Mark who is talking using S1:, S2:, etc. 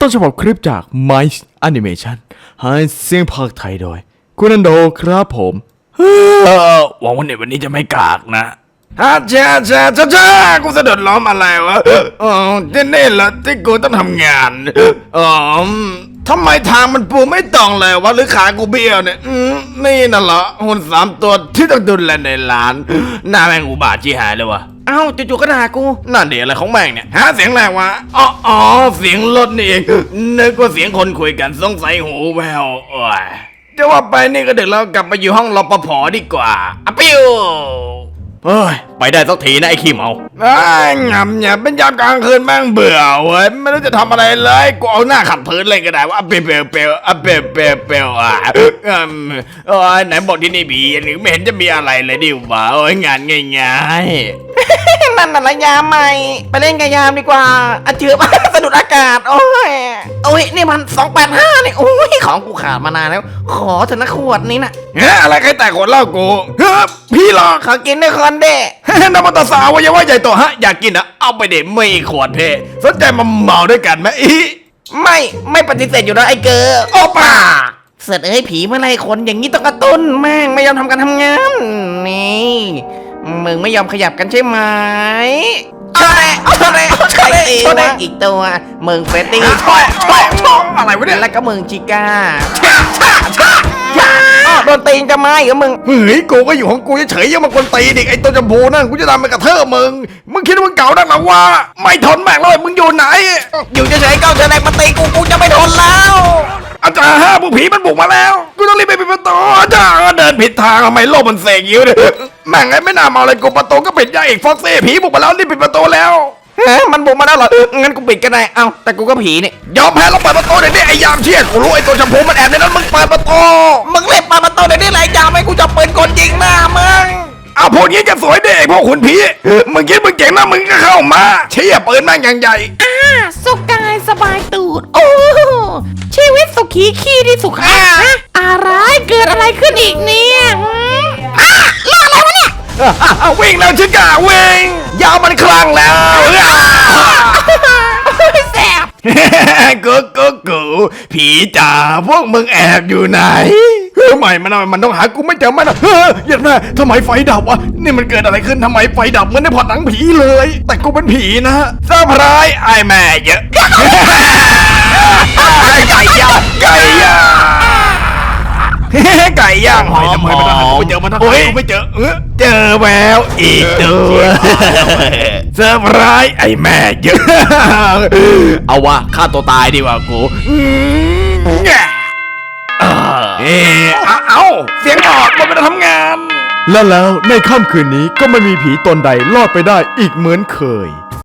S1: ต้นฉบับคลิปจาก Mice Animation ให้เสียงภาคไทยโดยคุณอันโดครับผมหวังว่าในวันนี้จะไม่กากนะฮ่าจ้ากูสะดุดล้อมอะไรวะนี่แหละที่กูต้องทำงานทำไมทางมันปูไม่ตรงเลยวะหรือขากูเบี้ยวเนี่ยนี่น่ะเหรอหุ่น3 ตัวที่ต้องดูแลในร้านหน้าแม่งอุบาทชี้หายเลยวะเอ้าจู่ๆก็ด่ากูนั่นเดี๋ยวอะไรของแม่งเนี่ยหาเสียงอะไรวะอ๋อเสียงรถนี่เองนึกว่าเสียงคนคุยกันสงสัยหูแววจะว่าไปนี่ก็เดี๋ยวเรากลับไปอยู่ห้องรปภดีกว่าอะปิ้วเฮ้ยไปได้สักทีนะไอ้ขี้เมาหงำเนี่ยเป็นยามกลางคืนแม่งเบื่อเว้ยไม่รู้จะทำอะไรเลยกูเอาหน้าขัดพื้นเลยก็ได้ว่าเปลไหนบอกที่นี่มีหรือไม่เห็นจะมีอะไรเลยดิวะโอ้ยงานง่ายๆนั่นน่ะระยามใหม่ไปเล่นกับยามดีกว่าอาเจือบสะดุดอากาศโอ้ยนี่มัน285นี่โอ้ยของกูขาดมานานแล้วขอเถอะนะขวดนี้นะอะไรใครแต่ขวดเหล้ากูพี่หรอขอกินด้วยคนเด้น้ำมันตาสาวยังว่าใหญ่โตฮะอยากกินอ่ะเอาไปเด็ไม่ขวดเพ่สนใจมาเมาด้วยกันไหมไม่ปฏิเสธอยู่นะไอ้เกอโอป้าเสร็จผีเมื่อไรคนอย่างนี้ต้องกระตุ้นแม่งไม่ยอมทำการทำงานนี่มึงไม่ยอมขยับกันใช่ไหมใครตีวะอีกตัวมึงเฟตตี้ช่องอะไรวะเนี่ยแล้วก็มึงชิก้าโดนตีนจะมาเหรอมึงเฮ้ยกูก็อยู่ของกูเฉยๆยังมาคนตีเด็กไอ้ตัวจมูกนั่นกูจะทำเป็นกระเทอะมึงคิดว่ามึงเก่านักหรอวะไม่ทนแม่งเลยมึงอยู่ไหนอยู่เฉยๆเก้าเจอแรงมาตีกูจะไม่ทนแล้วอาจารย์พวกผีมันบุกมาแล้วกูต้องรีบไปปิดประตูอาจารย์เดินผิดทางทำไมโลกมันเสกยิ้วเนี่ยแม่งไอ้ไม่น่ามาเลยกูประตูก็ปิดยาอีกฟ็อกซี่ผีบุกมาแล้วรีบปิดประตูแล้วมันบุกมาแล้วเหรองั้นกูปิดก็ได้เอ้าแต่กูก็ผีนี่ยอมแพ้แล้วเปิดประตูเดี๋ยวนี้ไอ้ยามเชี่ยกูรู้ไอ้ตัวชมพูมันแอบในนั้นมึงเปิดประตูมึงเล่นเปิดประตูเดี๋ยวนี้ไรยามให้กูจะเปิดกดยิงหน้ามึงเอาพวกนี้จะสวยเด็กพวกหุ่นผีมึงคิดมึงเก่งนะมึงก็เข้ามาเชี่ยปืนแม่งอย่างใหญ่
S2: สุขกายสบายตูดโอ้ชีวิตสุขีขี้ที่สุขาอะไรเกิดอะไรขึ้นอีกเนี่ยเรื่องอะไรวะเนี่ย
S1: วิ่งแล้วชิก้าวิ่งยาวมันคลั่งแล้ว
S2: แสบ
S1: กูผีจ๋าพวกมึงแอบอยู่ไหนไม่มันต้องหากูไม่เจอมันอย่างนั้นทำไมไฟดับวะนี่มันเกิดอะไรขึ้นทำไมไฟดับเหมือนในพอดหนังผีเลยแต่กูเป็นผีนะเซอร์ไพรส์ไอ้แม่เยอะไก่ย่างไก่ย่างหอมกูเจอมันทั้งกูไม่เจอเจอแววอีกตัวเซอร์ไพรส์ไอ้แม่เยอะเอาวะฆ่าตัวตายดีกว่ากูเอาเสียงออกมันไม่ได้ทำงานแล้วในค่ำคืนนี้ก็ไม่มีผีตนใดรอดไปได้อีกเหมือนเคย